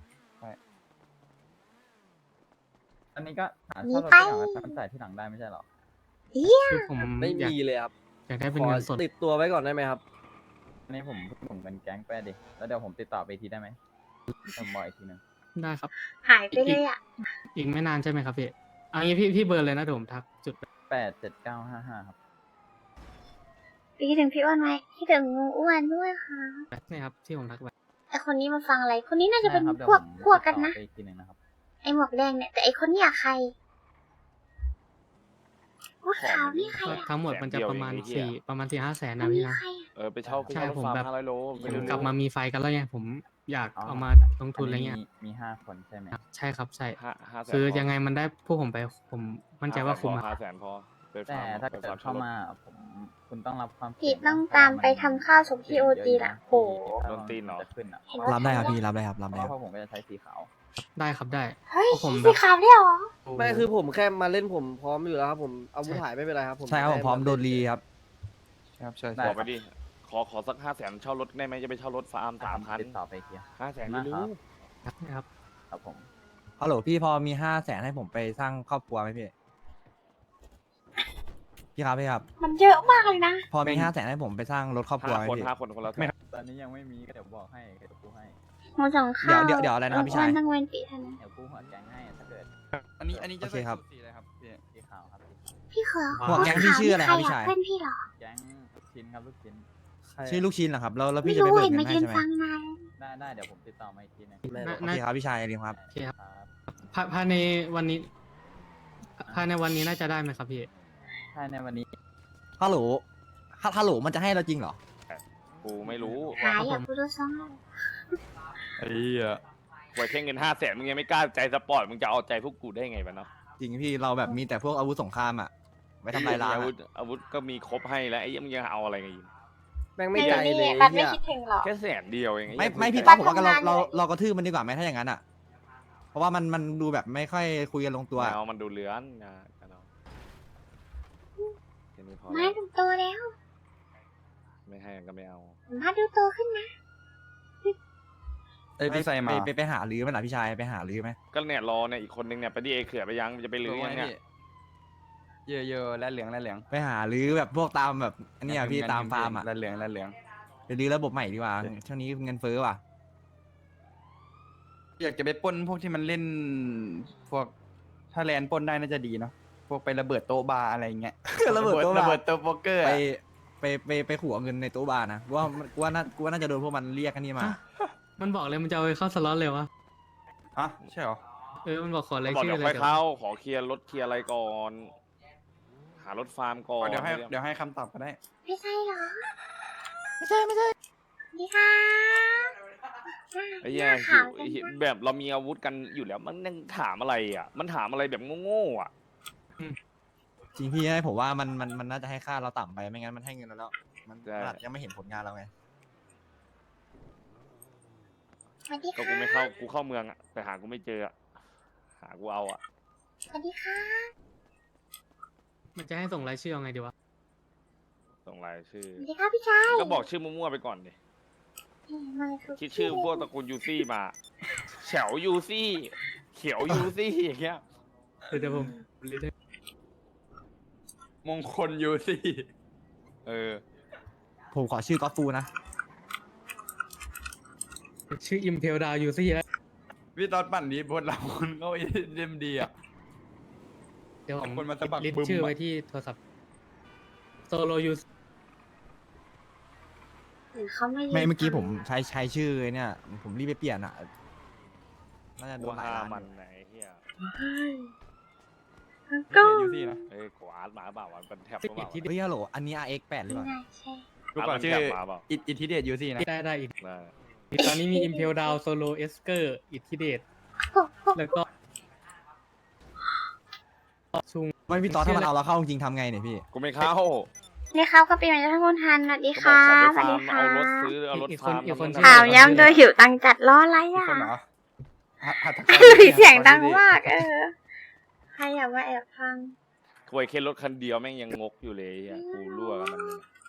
Speaker 10: อันนี้ก็หา
Speaker 3: มี
Speaker 10: เช่ารถ
Speaker 3: ไป
Speaker 10: ที่หลังแล้วมันจ่ายที่หลังได้ไม่ใช่เหรอ
Speaker 2: คือผม
Speaker 4: ไม่
Speaker 2: อยาก
Speaker 4: มีเลยครับ
Speaker 2: อยากได้เป็น
Speaker 4: ขอ
Speaker 2: เงินสด
Speaker 4: ติดตัวไว้ก่อนได้ไหมครับ
Speaker 10: อันนี้ผมผมเป็นแก๊งแปดดิแล้วเดี๋ยวผมติดต่อไปอีกทีได้ไหมผมบอกอีกทีหนึง
Speaker 2: ได้ครับ
Speaker 3: หายไปเลยอ่ะ
Speaker 2: อีกไม่นานใช่ไหมครับพี่เอางี้พี่พี่เบอร์เลยนะเดี๋ยวผมทักจุดไป
Speaker 10: แปดเจ็ดเก้าห้าห้าครับ
Speaker 3: พี่คิดถึงพี่อ้วนไหมคิดถึงงูอ้วนด้วยค่ะ
Speaker 2: นี่ครับที่ผมทักไป
Speaker 3: ไอคนนี้มาฟังอะไร คนนี้น่าจะเป็น
Speaker 10: ได้ครับเดี๋ยว
Speaker 3: พวก
Speaker 10: ผม
Speaker 3: พวกกัน
Speaker 10: ติดต่อ
Speaker 3: นะ
Speaker 10: ไปอีกทีหนึงนะครับ
Speaker 3: ไอหมวกแดงเนี่ย แต่ไอคนเนี้ยใครพวกขาวนี่ใคร
Speaker 2: ก็
Speaker 3: อ่ะ
Speaker 2: ทั้งหมดมันจะประมาณ
Speaker 1: แสนเดียวเองไอ้เหี้ย
Speaker 2: สี่ประมาณสี่ห้าแสน
Speaker 3: ค
Speaker 2: นะ
Speaker 3: น
Speaker 2: พี่
Speaker 3: นี้
Speaker 2: นะ
Speaker 3: ใครอ่ะ
Speaker 1: เออไปเช่าไป
Speaker 2: ใช่
Speaker 1: เช่ารถ
Speaker 2: ผม
Speaker 1: ฟาร์ม
Speaker 2: แบบ
Speaker 1: ห้าร้อยโล
Speaker 2: ผ
Speaker 1: ไป
Speaker 2: ม
Speaker 1: เร็ว
Speaker 2: กลับมามีไฟกันแล้วไงผมอยาก
Speaker 10: อ๋อ
Speaker 2: เอามาลงทุนอะไรเงี้ย
Speaker 10: มีมีห้าคนใช่ไหม
Speaker 2: ใช่ครับใช่
Speaker 1: ห้าห้าแสน
Speaker 2: คือ
Speaker 1: พ
Speaker 2: ยังไงมันได้พวกผมไปผมมั่นใจว่าคุ้มอะ
Speaker 1: ห้าแสนพอไป
Speaker 10: แต่
Speaker 1: ฟาร์ม
Speaker 10: ถ้า
Speaker 1: ไป
Speaker 10: เกิด
Speaker 1: ฟร์
Speaker 10: เข้า
Speaker 1: ช่รถ
Speaker 10: มาผมคุณต้องรับความ
Speaker 3: พี่
Speaker 10: เสี่ยง
Speaker 3: ต้อง
Speaker 10: นะ
Speaker 3: ตาม
Speaker 10: เพระว่
Speaker 3: ไปทำข้าวส่งที่โอ
Speaker 10: เสี่
Speaker 3: จี
Speaker 10: ยงเย
Speaker 3: ละ
Speaker 10: อะ
Speaker 3: โห
Speaker 10: ถ้า
Speaker 1: โดนตีนเหรอ
Speaker 10: จะขึ้นอ่ะ
Speaker 3: เห็นว่า
Speaker 9: รับได้ครับ
Speaker 3: ทำ
Speaker 9: พี่รับได้ครับรับ
Speaker 10: เพ
Speaker 9: ได้
Speaker 10: ราะ
Speaker 9: ครับ
Speaker 10: ว่าผมก็จะใช้สีขาว
Speaker 2: ได้ครับได้
Speaker 3: เฮ้ย
Speaker 2: เพราะผม
Speaker 3: สีขาวได้เหรอ
Speaker 4: ไม่คือผมแค่มาเล่นผมพร้อมอยู่แล้วครับ ผมอาวุธหายไม่เป็นไรครับ ผม
Speaker 9: ใช่ครับผมพร้อมโดนรีครับ
Speaker 7: ครับใช่
Speaker 10: ได้
Speaker 7: ใช่
Speaker 1: บอกไปดิ ขอขอสักห้าแสนเช่ารถได้ไหมจะไปเช่ารถฟาร์มสามคัน
Speaker 10: ติดต่อไปอีกที
Speaker 1: ห้าแสน
Speaker 10: มา
Speaker 1: ไม่
Speaker 10: ครั
Speaker 1: รู้
Speaker 10: บ
Speaker 2: ครับ
Speaker 10: ครับผม
Speaker 9: ฮัลโหลพี่พอมีห้าแสนให้ผมไปสร้างครอบครัวไหมพี่พี่ครับพี่ครับ
Speaker 3: มันเยอะมากเลยนะ
Speaker 9: พอมีห้าแสนให้ผมไปสร้างรถครอบครัว
Speaker 1: ห้า
Speaker 9: ไหม
Speaker 1: คน
Speaker 9: พี่
Speaker 1: ห้าคนคนละแสน
Speaker 10: ตอนนี้ยังไม่มีก็เดี๋ยวบอกให้เดี๋ยวกูให้
Speaker 3: หมูสองข้าว
Speaker 9: เดี๋ยวเดี๋ยวเดี๋ยวอะไรนะครับพี่ชาย
Speaker 3: อ้วนต้องเว้นปีเท่านั้น
Speaker 10: เดี๋ยวกูหัวแกงให้ถ้าเกิด
Speaker 7: อันนี้อันนี้จะ
Speaker 9: โอเคครับ
Speaker 7: ใส่สูทสีอะไรครับพี่
Speaker 10: สีขาวครับ
Speaker 3: พี่เขอ
Speaker 9: หัวแก๊งพี่ชื่ออะไรครับพี่ชาย
Speaker 3: เพื่อนพี่เหรอ
Speaker 10: แก๊งลูกชิ้นครับลูกชิ้น
Speaker 4: ใคร
Speaker 9: ชื่อลูกชิ้นเหรอครับแล้วแล้ว
Speaker 3: ไม่
Speaker 9: พี่จะไป
Speaker 3: รู้
Speaker 9: เบิก
Speaker 3: เห็น
Speaker 9: เงิ
Speaker 3: มาน
Speaker 9: ให้
Speaker 3: ยืน
Speaker 9: ใช่ไหม
Speaker 3: ฟังนาน
Speaker 10: ได้ได้เดี๋ยวผมติดต่อมาอีกทีหนึง
Speaker 4: ไม่
Speaker 2: น่า
Speaker 9: โอเคครับพี่ชายดีครับ
Speaker 2: โอเคครับ
Speaker 10: ครับ
Speaker 2: ภายภายในวันนี้ภายในวันนี้น่าจะได้ไหมครับพี่
Speaker 10: ใช่ในวันนี้
Speaker 9: ฮัลโหลฮัลฮัลโหลมันจะให้เราจริงเหรอ
Speaker 1: กูไม่รู้
Speaker 3: หายอยากพูดซ้ำเลย
Speaker 7: ไอ้เหี้ย
Speaker 1: ไว้แค่เงินห้าแสนมึงยังไม่กล้าใจสปอร์ตมึงจะเอาใจพวกกูได้ไงวะเนาะ
Speaker 9: จริงพี่เราแบบมีแต่พวกอาวุธสงครามอ่ะไว้ทำลายล้าง
Speaker 1: อาวุ
Speaker 9: อะ
Speaker 1: ธอาวุธก็มีครบให้แล้วไอ้เหี้ยมึงยังเอาอะไรกันอีก
Speaker 4: แม่งไม่ใจเลย
Speaker 3: บัตรไม่
Speaker 4: เนี่ย
Speaker 3: คิดถึงหรอ
Speaker 1: แค่แสนเดียวเอง
Speaker 9: ไม่ไม่พี่
Speaker 3: บ้า
Speaker 9: ต้อน ผมว่าเรา
Speaker 3: ทำงาน
Speaker 9: เรา
Speaker 3: เลย
Speaker 9: เรากระทืบมันดีกว่าไหมถ้าอย่างนั้นอ่ะ เพราะว่ามันมันดูแบบไม่ค่อยคุยกันลงตัว
Speaker 1: ไม่เอามันดูเลื้อนนะกันเอาแค่นี้พอ
Speaker 3: มา
Speaker 1: แล้ว
Speaker 3: ดูโตแล้ว
Speaker 1: ไม่ให้ก็ไม่เอา
Speaker 3: มาดูโตขึ้นนะ
Speaker 7: เอ้ยพี่ใส่มา
Speaker 9: ไปไปไปหาลื้อไหมล่ะพี่ชายไปหาลื้อไหม
Speaker 1: ก็เนี่ยรอเนี่ยอีกคนนึงเนี่ยไปดิเอเขื่อไปยังจะไปลื้อยังเนี่ย
Speaker 7: เยอะเยอะๆและเหลืองและเหลือง
Speaker 9: ไปหาลื้อแบบพวกตามแบบอันเนี้ยพี่ตามฟาร์มอ่ะ
Speaker 7: และเหลืองและเหลือง
Speaker 9: ไปลื้อระบบใหม่ดีกว่าช่วงนี้เงินเฟ้อว่ะ
Speaker 7: อยากจะไปปล้นพวกที่มันเล่นพวกถ้าแลนปล้นได้น่าจะดีเนาะพวกไประเบิดโต๊ะบาร์อะไรอย่างเงี้ย
Speaker 9: ระเบิดโต๊ะบาร์
Speaker 7: ระเบิดโต๊ะโป๊กเกอร์
Speaker 9: ไป
Speaker 7: อะ
Speaker 9: ไปไปไปขัวเงินในตู้บาร์นะว่ากูว่าน่ากูว่าน่าจะโดนพวกมันเรียกกันนี่มา
Speaker 2: ฮะ มันบอกเลยมันจะเอาไปเข้าสล็อตเลยวะ
Speaker 7: ฮะใช่เหรอ
Speaker 2: เออมันบอกขอราย
Speaker 1: บอก
Speaker 2: ชื่
Speaker 1: เดี๋
Speaker 2: อ
Speaker 1: ยว
Speaker 2: เล
Speaker 1: ค่อย ย
Speaker 2: เดี๋ยว
Speaker 1: เข้าขอเคลียร์รถเคลียร์อะไรก่อน หารถฟาร์มก่อน
Speaker 7: เดี๋ยวให้เดี๋ยวให้คำตอบก็ได้
Speaker 3: ไม่ใช่เหรอ ไม่ใช่ไม่ใช่ดีค่ะ
Speaker 1: ไอ้เหี้ย
Speaker 3: หน้า
Speaker 1: หิ
Speaker 3: ขาว ว
Speaker 1: ไอ้เหี้ยแบบเรามีอาวุธกันอยู่แล้วมันยังถามอะไรอ่ะ มันถามอะไรแบบโง่ๆอ่ะ
Speaker 9: จริงพี่ให้ผมว่ามันมันมันน่าจะให้ค่าเราต่ำไปไม่งั้นมันให้เงินเราแล้วมันอาจจะยังไม่เห็นผลงานเราไง
Speaker 3: สวัสดี
Speaker 1: ก็
Speaker 3: ค่ะ
Speaker 1: กูไม่เข้ากูเข้าเมืองอ่ะแต่หากูไม่เจออ่ะหากูเอาอ่ะ
Speaker 3: สวัสดีค่ะ
Speaker 2: มันจะให้ส่งรายชื่อยังไงดีวะ
Speaker 1: ส่งรายชื่อ
Speaker 3: สวัสดีค่ะพี่ชาย
Speaker 1: ก็บอกชื่อมั่วๆไปก่อนดิ
Speaker 3: เอ้ยมาทุก
Speaker 1: คิดชื่อพวกตระกูลยูซี่มาแฉวยูซี่เขียวยูซี่อย่างเงี้ย
Speaker 2: เดี๋ยวผมลิสต์ให้
Speaker 7: มงคลยูซี่
Speaker 1: เออ
Speaker 9: ผมขอชื่อก็อตฟูนะ
Speaker 2: ชื่ออิมเพลดาวยูซี่แล้ว
Speaker 7: พี่ตอนปั่นนี้บนเราคนเขาเอ็มดีอ่ะ
Speaker 2: เดี๋ยวผม
Speaker 7: เอาคนมาสะบัด
Speaker 2: ลิส
Speaker 7: บึ้
Speaker 2: ต์
Speaker 7: ม
Speaker 2: ชื่อ
Speaker 7: อะ
Speaker 2: ไว้ที่โทรศัพท์โซโลยู
Speaker 3: หรือเขาไม่ยืน
Speaker 9: ไม่เมื่อกี้
Speaker 3: ฟัง
Speaker 9: ผมใช้ใช้ชื่อเนี่ยผมรีบไปเปลี่ยนอ่ะน่าจะโด
Speaker 1: กู
Speaker 9: นหลาย
Speaker 1: ห้า
Speaker 9: ล้าน
Speaker 1: มันไหนเฮีย
Speaker 3: เฮ้ยมัน
Speaker 7: ไม่
Speaker 3: ก็
Speaker 7: ใช่ยูซี่นะ
Speaker 1: เอ้ยกวาดหมาเปล่ามันเป็นแท็บห
Speaker 2: สิ
Speaker 1: รื
Speaker 2: บ
Speaker 1: อเป
Speaker 2: เอ็ด
Speaker 1: ล่า
Speaker 2: ที่
Speaker 9: เฮ้ยฮัลโหลอันนี้ อาร์ เอ็กซ์ แปดหรือ
Speaker 3: ไม่
Speaker 9: เปล่า
Speaker 3: น่าใช่
Speaker 7: ดูก่อน
Speaker 1: มัน
Speaker 7: ชื่อ
Speaker 1: แท็บหมาเปล่า
Speaker 7: อิอิทธิเดชยูซี่นะ
Speaker 2: ได้ได้อีก
Speaker 1: ได้
Speaker 2: ตอนนี้มีอิมเพลดาวโซโลเอสเกอร์อิทธิเดชแล้วก็ซุง
Speaker 9: ไม่พี่ตอนถ้ามันเอาเราเข้าจริงๆทำไงเนี่ยพี่
Speaker 1: กูไม่เข้า
Speaker 3: นี่ครับก็ปีใหม่ท่านคุณทันสวัสดี
Speaker 1: ก็บ
Speaker 3: ค่ะ
Speaker 1: อกขอ
Speaker 3: ส
Speaker 1: ไป
Speaker 3: วัส
Speaker 1: ฟา
Speaker 3: ดี
Speaker 1: ร์ม
Speaker 3: ค่ะ
Speaker 1: เอารถซื้อเอารถฟาร์ม
Speaker 2: อีกคน
Speaker 1: ทำ
Speaker 2: อีกคน
Speaker 1: นั่น
Speaker 3: ข่าว
Speaker 1: นี่
Speaker 3: ย้ำโดยหิวตังค์จัดล้ออะไร
Speaker 7: มี
Speaker 3: อ่ะ
Speaker 7: คนเหรอหัตถกร
Speaker 3: หลุยเสียงดังมากเออใครอยากมาแอบฟัง
Speaker 1: ควยแค่รถคันเดียวแม่งยังงกอยู่เลยอ่ะกูรั่วกับมันเลย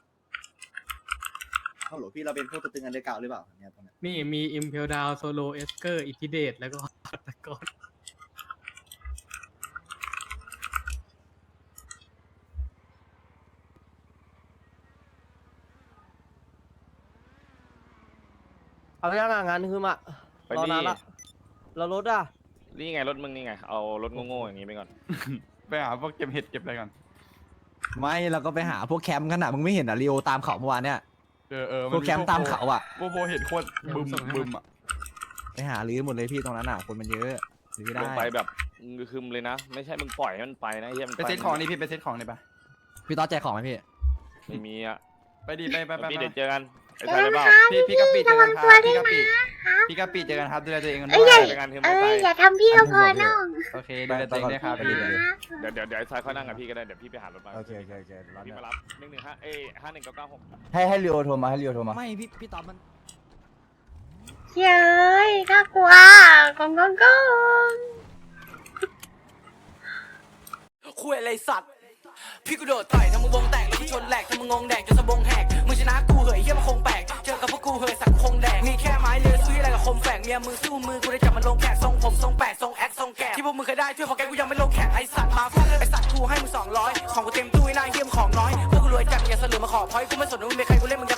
Speaker 9: ฮัลโหลพี่เราเป็นพวกตัวตึงอันเดอร์เก่าหรือเปล่าเนี่ยตรงนี้
Speaker 2: นี่มีอิมเพลดาวโซโลเอสเกอร์อิทิเดตแล้วก็ตะกอน
Speaker 4: เอาย่างงานคือมา
Speaker 1: ไป
Speaker 4: รอ
Speaker 1: นี่
Speaker 4: นานละแล้วรถอ่ะ
Speaker 1: นี่ไงรถมึงนี่ไงเอารถโง่ๆอย่างนี้ไปก่อน
Speaker 7: ไปหาพวกเก็บเห็ดเก็บอะไรก่อน
Speaker 9: ไม่เราก็ไปหาพวกแคมป์กันอ่ะมึงไม่เห็นอ่ะรีโอตามเขาเมื่อวานเนี่ย
Speaker 7: เออเออ
Speaker 9: พวกแคมป์ตามเขาอ่ะ
Speaker 7: พวกโบเห็ดโคตรบึมบึมอ่ะ
Speaker 9: ไปหาลื้อหมดเลยพี่ตรงนั้นอ่ะคนมันเยอะลื้อได้
Speaker 1: ลงไปแบบงือคึมเลยนะ ไม่ใช่มึงปล่อยให้มันไปนะเฮียมัน
Speaker 7: ไปเซ็ตของนี่พี่ไปเซ็ตของนี่ปะ
Speaker 9: พี่ต๊อดแจกของไหมพี่
Speaker 1: ไม่มีอ่ะ
Speaker 7: ไปดิไปไปไป
Speaker 1: พี่
Speaker 7: ไป
Speaker 1: เดี๋ยวเจอกันไอ้
Speaker 3: เจ
Speaker 1: ชาย
Speaker 3: อ
Speaker 1: เลย
Speaker 3: กัน
Speaker 1: เปล่า
Speaker 3: ครับ
Speaker 7: พี่พี่กะปิเจอกันครับพี่กะปิ
Speaker 3: ครับ
Speaker 7: พี่กะปิเจอกันครับดูแลตัวเองกัน
Speaker 3: เอ้
Speaker 7: ด้วย
Speaker 3: ใหญ่
Speaker 1: ไปงานคือ
Speaker 3: เอ
Speaker 1: ไม่ไป
Speaker 3: ออย่าทำพี่ก็พอน้อง
Speaker 7: โอเคดูแลตัวเองด้วยครับ
Speaker 9: ไป
Speaker 7: พี่
Speaker 9: ไป
Speaker 3: ครับ
Speaker 1: เดี๋ยวเดี๋ยวเดี๋ยวไอ้ชายค่อยนั่งกับพี่ก็ได้เดี๋ยวพี่ไปหารถมา
Speaker 9: โอเคโอเคโอเคร้าน
Speaker 1: พี่
Speaker 9: เนี่ย
Speaker 1: มารับหนึ่งหนึ่งห้าเอ้ห้าหนึ่งเก้าเก้าหก
Speaker 10: ให้ให้ริโอโทรมาให้ริโอโทรมา
Speaker 9: ไม่พี่พี่ต๊อดมัน
Speaker 3: เย้ยน่ากลัวกองกองกอง
Speaker 5: คุยอะไรสัตว์พี่กูโดดต่อยทำมึงวงแตกแล้วกูชนแหลกทำมึงงงแดกจนสะบงแหกมึงชนะกูเหยเฮียมันคงแปลกเจอกับพวกกูเหยสักคงแดกมีแค่ไม้เลือซื้ออะไรกับคมแฝกเมียมือสู้มือกูได้จับมันลงแขกทรงผมทรงแปดทรงแอคทรงแกะที่พวกมึงเคยได้ช่วยพอแกกูยังไม่ลงแขกไอสัตว์มาฟาดไอสัตว์กูให้มึงสองร้อยของกูเต็มตู้ไอ้นายเฮียมของน้อยพวกกูรวยจัดอย่าเสลือมาขอพอยกูไม่สนว่ามึงเป็นใครกูเล่นมึงจะ